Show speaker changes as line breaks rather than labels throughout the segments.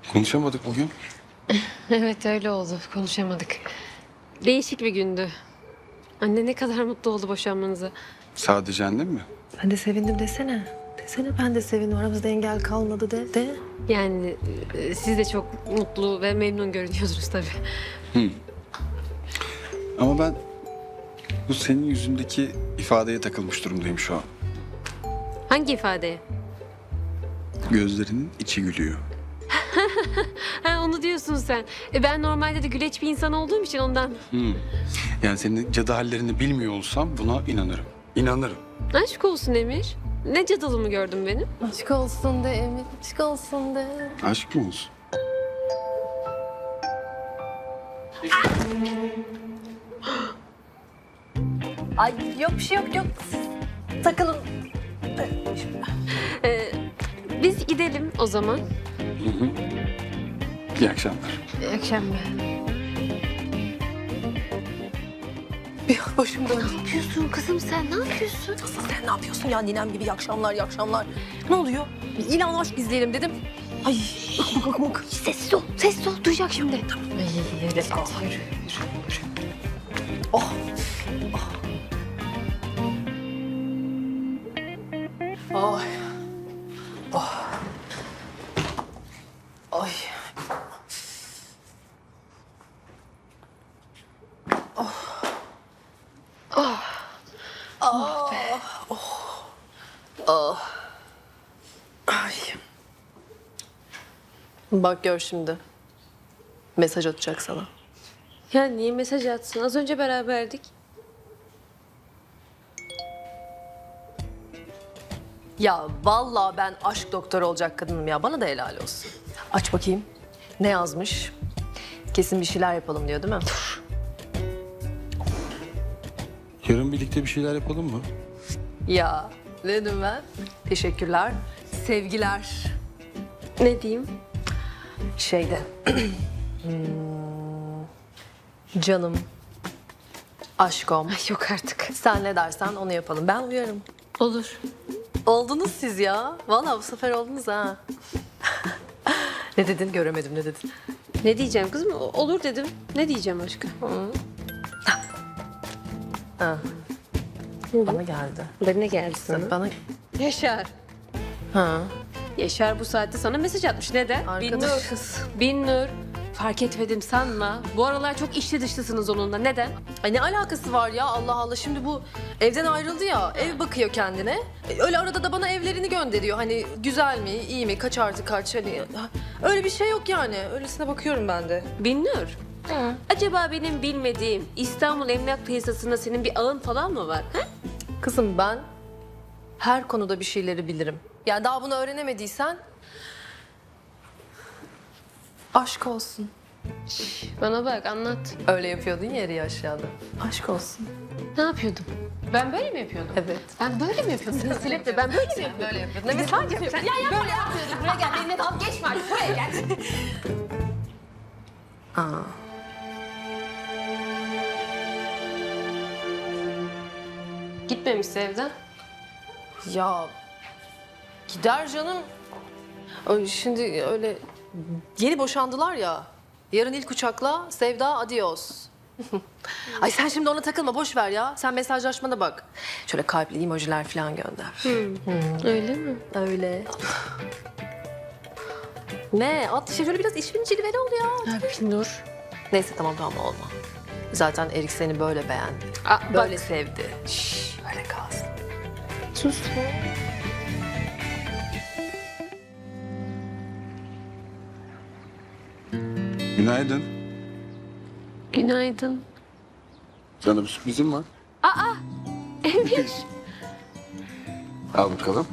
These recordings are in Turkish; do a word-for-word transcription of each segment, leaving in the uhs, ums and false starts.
Konuşamadık bugün.
Evet öyle oldu. Konuşamadık. Değişik bir gündü. Anne ne kadar mutlu oldu boşanmanıza.
Sadece annem mi?
Ben de sevindim desene. Desene ben de sevindim. Aramızda engel kalmadı de. De.
Yani e, siz de çok mutlu ve memnun görünüyorsunuz tabii.
Ama ben bu senin yüzündeki ifadeye takılmış durumdayım şu an.
Hangi ifadeye?
Gözlerinin içi gülüyor.
Ha onu diyorsun sen. E, ben normalde de güleç bir insan olduğum için ondan.
Yani senin cadı hallerini bilmiyor olsam buna inanırım. İnanırım.
Aşk olsun Emir. Ne cadılımı gördün benim?
Aşk olsun de Emir. Aşk olsun de.
Aşk mı olsun?
Ay yok bir şey yok yok. Takılın.
Ee, biz gidelim o zaman.
İyi akşamlar.
İyi akşamlar.
Bir başım döndü.
Ne yapıyorsun kızım sen? Ne yapıyorsun?
Asıl sen ne yapıyorsun ya ninem gibi iyi akşamlar iyi akşamlar. Ne oluyor? Bir ilan aşk izleyelim dedim. Ay bak bak bak.
Sessiz ol. Sessiz ol. Duyacak şimdi. Tamam.
Ay, let's go.
Yürü, yürü, yürü.
Oh. Oh. Ay. Oh. Ay. Ay. Bak gör şimdi. Mesaj atacak sana.
Ya niye mesaj atsın? Az önce beraberdik.
Ya vallahi ben aşk doktoru olacak kadınım ya. Bana da helal olsun. Aç bakayım. Ne yazmış? Kesin bir şeyler yapalım diyor değil mi?
Yarın birlikte bir şeyler yapalım mı?
Ya ne dedim ben? Teşekkürler. Sevgiler.
Ne diyeyim?
Şeyde. Hmm, canım. Aşkom.
Ay yok artık.
Sen ne dersen onu yapalım. Ben uyarım.
Olur.
Oldunuz siz ya. Vallahi bu sefer oldunuz ha. Ne dedin göremedim ne dedin?
Ne diyeceğim kızım? O- Olur dedim. Ne diyeceğim başka?
Ha. Bana geldi.
Bana geldi sana.
Bana...
Yaşar.
Ha.
Yaşar bu saatte sana mesaj atmış. Neden?
Arkadaşız.
Binnur. Binnur. Fark etmedim sanma. Bu aralar çok içli dışlısınız onunla. Neden?
Ay ne alakası var ya Allah Allah. Şimdi bu evden ayrıldı ya. Ev bakıyor kendine. E, Öyle arada da bana evlerini gönderiyor. Hani güzel mi, iyi mi, kaç artı kaç. Hani öyle bir şey yok yani. Öylesine bakıyorum ben de.
Binnur. Acaba benim bilmediğim İstanbul Emlak Piyasası'nda senin bir ağın falan mı var? Ha?
Kızım ben her konuda bir şeyleri bilirim. Yani daha bunu öğrenemediysen aşk olsun.
Bana bak anlat.
Öyle yapıyordun ya yeri aşağıda. Aşk olsun.
Ne yapıyordum? Ben böyle mi yapıyordum?
Evet.
Ben böyle mi yapıyordum? Silip de ben böyle mi yapıyordum?
Böyle yapıyordun. Evet hangi yapıyordun? Ya ya böyle yapıyordun. Buraya gel. Benimle dalga geçme artık. Buraya gel. Aa.
Gitmemişse evden.
Ya gider canım. Ay, Şimdi öyle yeni boşandılar ya. Yarın ilk uçakla Sevda adios. Ay sen şimdi ona takılma boş ver ya. Sen mesajlaşmana bak. Şöyle kalpli emojiler falan gönder.
Öyle mi?
Öyle. Ne? At işte şöyle biraz işin cilveli ol ya.
Ha, Binnur.
Neyse tamam tamam olma. Zaten Erik seni böyle beğendi.
Aa,
Böyle
bak.
sevdi. Şşş öyle kalsın.
Sus.
Günaydın.
Günaydın.
Sana bir sürprizim var.
Emir.
Al bakalım.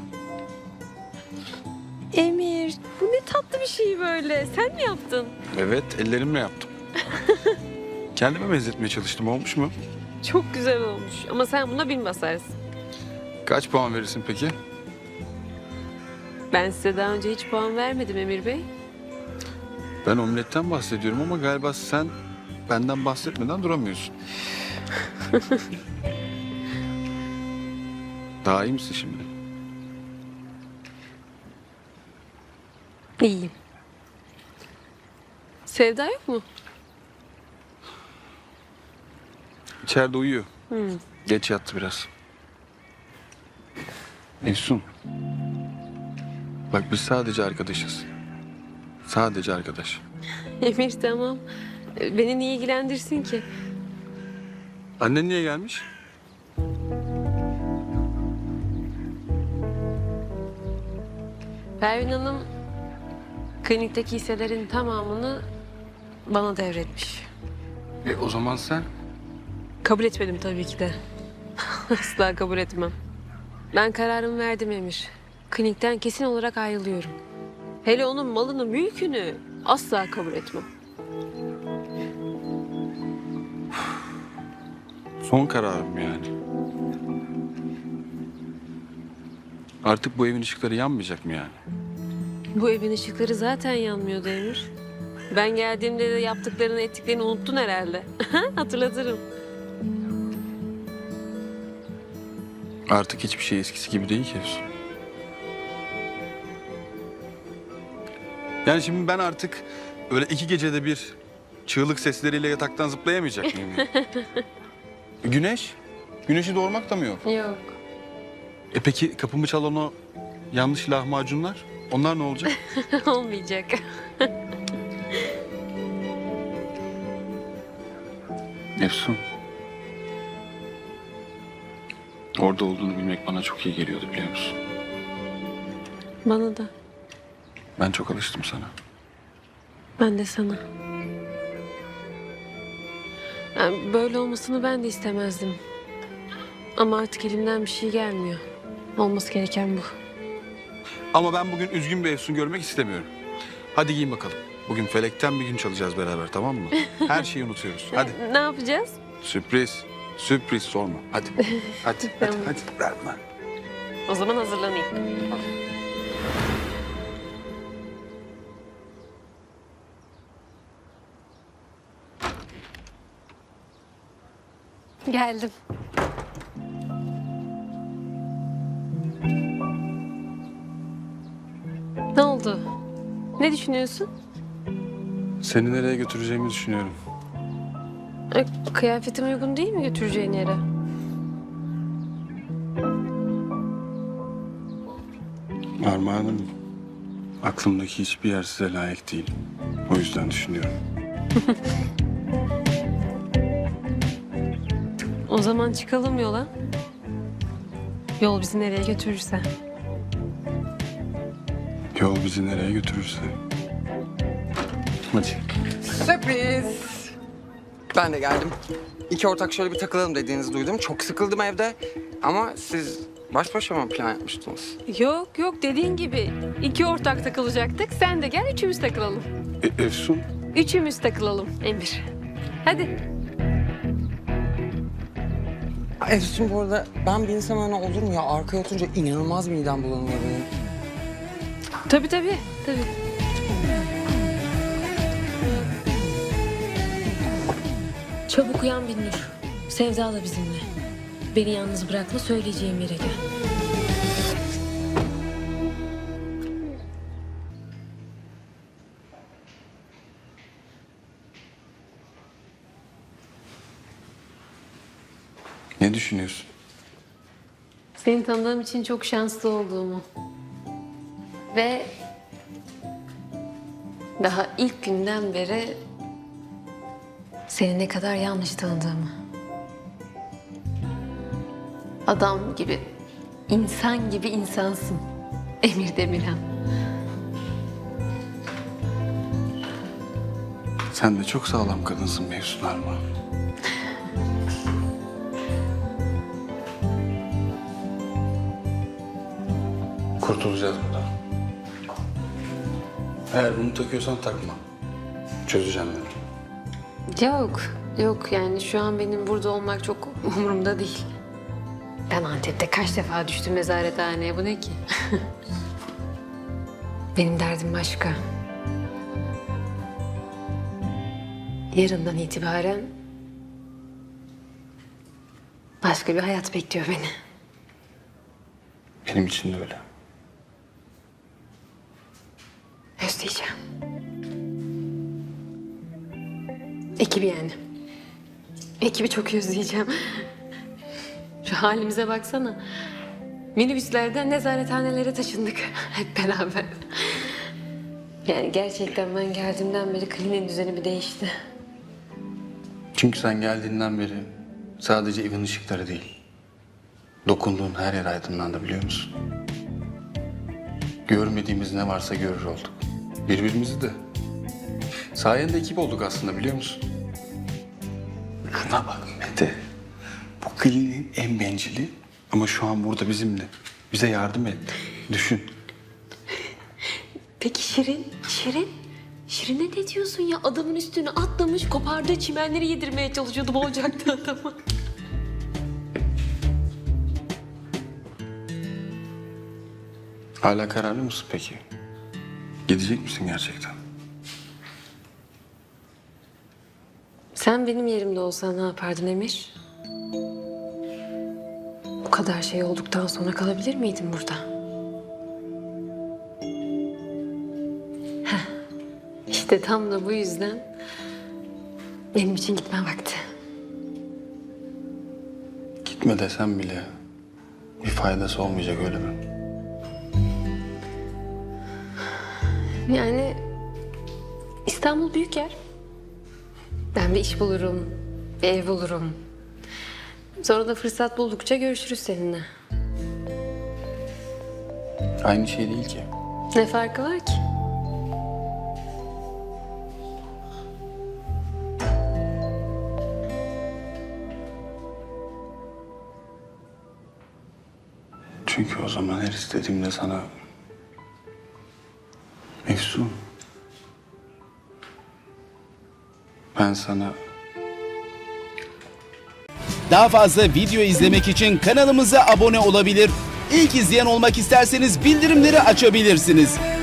Emir. Bu ne tatlı bir şey böyle. Sen mi yaptın?
Evet, ellerimle yaptım. Kendime benzetmeye çalıştım. Olmuş mu?
Çok güzel olmuş. Ama sen buna bin basarsın.
Kaç puan verirsin peki?
Ben size daha önce hiç puan vermedim Emir Bey.
Ben omletten bahsediyorum ama galiba sen benden bahsetmeden duramıyorsun. Daha iyi misin şimdi?
İyiyim. Sevda yok mu?
İçeride uyuyor. Geç yattı biraz. Efsun. Bak biz sadece arkadaşız. Sadece arkadaş.
Emir tamam. Beni niye ilgilendirsin ki?
Annen niye gelmiş?
Pervin Hanım klinikteki hisselerin tamamını bana devretmiş.
E o zaman sen?
Kabul etmedim tabii ki de. Asla kabul etmem. Ben kararımı verdim Emir. Klinikten kesin olarak ayrılıyorum. Hele onun malını, mülkünü asla kabul etmem.
Son kararım yani. Artık bu evin ışıkları yanmayacak mı yani?
Bu evin ışıkları zaten yanmıyordu Emir. Ben geldiğimde de yaptıklarını, ettiklerini unuttun herhalde. Hatırlatırım.
Artık hiçbir şey eskisi gibi değil ki Efsun. Yani şimdi ben artık öyle iki gecede bir çığlık sesleriyle yataktan zıplayamayacak mıyım? yani? Güneş? Güneşi doğurmak da mı yok?
Yok.
E peki kapımı çalan o yanlış lahmacunlar? Onlar ne olacak?
Olmayacak.
Efsun. Orada olduğunu bilmek bana çok iyi geliyordu biliyor musun?
Bana da.
Ben çok alıştım sana.
Ben de sana. Yani böyle olmasını ben de istemezdim. Ama artık elimden bir şey gelmiyor. Olması gereken bu.
Ama ben bugün üzgün bir Efsun görmek istemiyorum. Hadi giyin bakalım. Bugün felekten bir gün çalacağız beraber tamam mı? Her şeyi unutuyoruz. Hadi.
Ne yapacağız?
Sürpriz. Sürpriz sorma. Hadi. Hadi. hadi,
Tamam.
hadi. Verme.
O zaman hazırlanayım. Geldim. Ne oldu? Ne düşünüyorsun?
Seni nereye götüreceğimi düşünüyorum.
E, kıyafetim uygun değil mi götüreceğin yere?
Armağanım. Aklımdaki hiçbir yer size layık değil. O yüzden düşünüyorum.
O zaman çıkalım yola. Yol bizi nereye götürürse.
Yol bizi nereye götürürse. Hadi.
Sürpriz. Ben de geldim. İki ortak şöyle bir takılalım dediğinizi duydum. Çok sıkıldım evde. Ama siz baş başa mı plan yapmıştınız?
Yok yok dediğin gibi iki ortak takılacaktık. Sen de gel üçümüz takılalım.
E, Efsun.
Üçümüz takılalım Emir. Hadi.
Efsun bu arada ben bir insan öyle olur mu ya? Arkaya oturunca inanılmaz midem bulanıyor benim.
Tabii tabii. Tabii. Çabuk uyan Binnur. Sevda da bizimle. Beni yalnız bırakma söyleyeceğim yere gel.
Ne düşünüyorsun?
Seni tanıdığım için çok şanslı olduğumu. Ve daha ilk günden beri seni ne kadar yanlış tanıdığımı. Adam gibi, insan gibi insansın. Emir Demirhan.
Sen de çok sağlam kadınsın Efsun Armağan. Kurtulacağız buradan. Eğer bunu takıyorsan takma. Çözeceğim ben.
Yok, yok yani şu an benim burada olmak çok umurumda değil. Ben Antep'te kaç defa düştüm nezarethaneye, bu ne ki? Benim derdim başka. Yarından itibaren başka bir hayat bekliyor beni.
Benim için de öyle.
Özleyeceğim. Ekibi yani. Ekibi çok özleyeceğim. Şu halimize baksana. Minibüslerden nezarethanelere taşındık hep beraber. Yani gerçekten ben geldiğimden beri kliniğin düzeni bir değişti.
Çünkü sen geldiğinden beri sadece evin ışıkları değil, dokunduğun her yer aydınlandı, biliyor musun? Görmediğimiz ne varsa görür olduk. Birbirimizi de. Sayende ekip olduk aslında, biliyor musun? Şuna bak Mete. Bu kliniğin en bencili ama şu an burada bizimle. Bize yardım etti. Düşün.
Peki Şirin? Şirin? Şirin'e ne diyorsun ya? Adamın üstüne atlamış, kopardığı çimenleri yedirmeye çalışıyordu, boğacaktı adamı.
Hala kararlı mısın peki? Gidecek misin gerçekten?
Sen benim yerimde olsan ne yapardın Emir? Bu kadar şey olduktan sonra kalabilir miydin burada? Heh, İşte tam da bu yüzden benim için gitme vakti.
Gitme desem bile bir faydası olmayacak, öyle mi?
Yani İstanbul büyük yer. Ben bir iş bulurum, bir ev bulurum. Sonra da fırsat buldukça görüşürüz seninle.
Aynı şey değil ki.
Ne farkı var ki?
Çünkü o zaman her istediğimde sana... Efsun... Ben sana...
Daha fazla video izlemek için kanalımıza abone olabilir. İlk izleyen olmak isterseniz bildirimleri açabilirsiniz.